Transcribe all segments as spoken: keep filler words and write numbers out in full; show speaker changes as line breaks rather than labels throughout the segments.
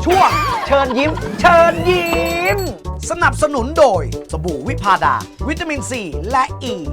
ช่วงเชิญยิ้ม เชิญยิ้ม สนับสนุนโดยสบู่วิพาดา วิตามินซีและอ e. ี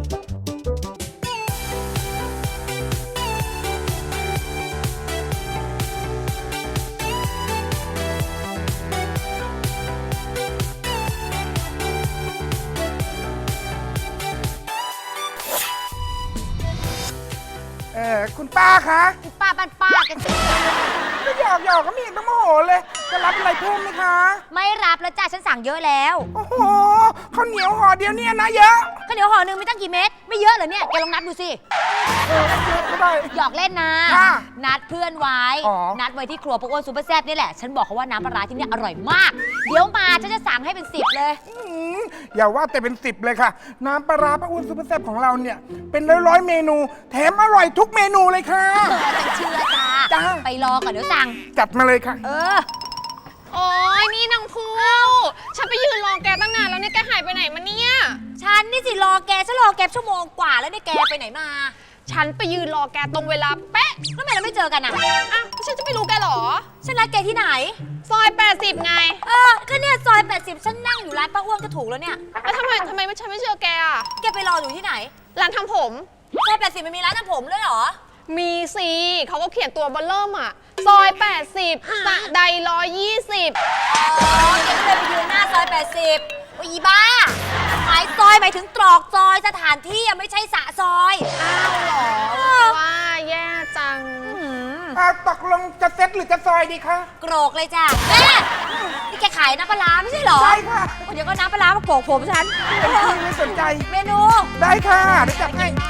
เออคุณป้าคะ
ป้าบ้านป้ากันสิ
ก็หยอกหยอกก็มีต้องโมโหเลยจะรับอะไรเพิ่มไหมคะ
ไม่รับแล้วจ้าฉันสั่งเยอะแล้ว
โอ้โหข้าวเหนียวห่อเดียวเนี่ยนะเยอะ
ข้าวเหนียวห่อหนึ่งมีตั้งกี่เม็ดไม่เยอะเหรอเนี่ยแกลองนับดูสิ
เออเยอะก็ได้
หยอกเล่นนะ
ค่ะ
นัดเพื่อนไว้
อ๋อ
นัดไว้ที่ครัวพวกอ้วนซูเปอร์แซ่บนี่แหละฉันบอกเขาว่าน้ำปลาร้าที่เนี่ยอร่อยมาก เดี๋ยวมาฉันจะสั่งให้เป็นสิบเลย
อืมอย่าว่าแต่เป็นสิบเลยค่ะ น้ำปลาร้าป้าอ้วนซุปเปอร์แซ่บของเราเนี่ย เป็นร้อยร้อยๆเมนู แถมอร่อยทุกเมนูเลยค่ะ
เออฉันเชื่อจ้า
จ้า
ไปรอก่อนเดี๋ยวสั่ง
จัดมาเลยค่ะ
เออ
โอ้ยนี่นางพูฉันไปยืนรอแกตั้งนานแล้วเนี่ยแกหายไปไหนมาเนี่ย
ฉันนี่สิรอแกฉันรอแกชั่วโมงกว่าแล้วเนี่ยแกไปไหนมา
ฉันไปยืนรอแกตรงเวลาเป๊ะ
ทำไมเราไม่เจอกันอ่ะ
อ่ะฉันจะไม่รู้แกเหรอ
ฉันนัดแกที่ไหน
ซอยแปดสิบไง
เออก็เนี่ยซอยแปดสิบฉันนั่งอยู่ร้านป้าอ้วนก็ถูกแล้วเนี่ย
แล้วทำไมทำไมไม่ฉันไม่เจอแกอ่ะ
แกไปรออยู่ที่ไหน
ร้านทำผม
ซอยแปดสิบมันมีร้านทำผมด้วยเหรอ
มีสิเขาก็เขียนตัวเบอลเริ่มอ่ะ ซอยแปดสิบสะใดร้อยยี่สิบ
อ๋อแกก็เลยไปยืนหน้าซอยแปดสิบโอ้ยอีบ้าหมายซอยหมายถึงตรอกซอยสถานที่อะไม่ใช่สระซอย
อ้าวเหรอว่าแย่จัง
อ่าตกลงจะเซ็ตหรือจะซอยดีคะ
โกรกเลยจ้ะแม่นี่แกขายน้ำปลาร้าไม่ใช่เหรอ
ใช่ค่ะ
เดี๋ยวก็น้ำปลาร้ามาโกรกผมฉัน
เป็นที่ไม่สนใจ
เมนู
ได้ค่ะเดี๋ยวจัดให้
นะ